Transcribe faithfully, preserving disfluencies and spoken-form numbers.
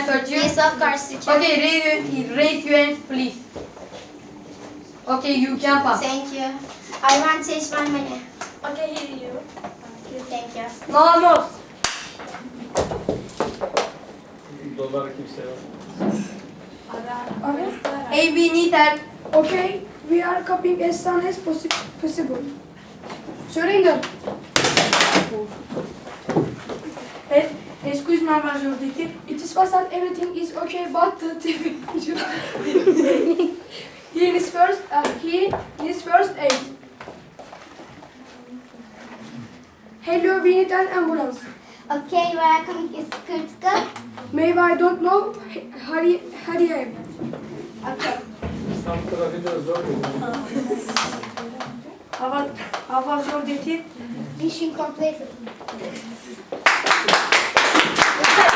I search you? Yes, of course, teacher. Okay, raise, raise your hands, please. Okay, you can pass. Thank you. I want to change my money. Okay, here you. Thank you. No, almost. Dolar kimse yok. Okay. Hey, we need help. Okay, we are copying as soon as possi possible. Surrender. Hey, excuse me, Major Diti. It is fast that everything is okay, but the T V. He is first. Uh, he is first aid. Hello, we need an ambulance. Okay, we are coming is critical. Maybe I don't know. Hurry, hurry up. Okay. İstanbul trafiğinde zor oluyor. How, how was your duty? Mission completed.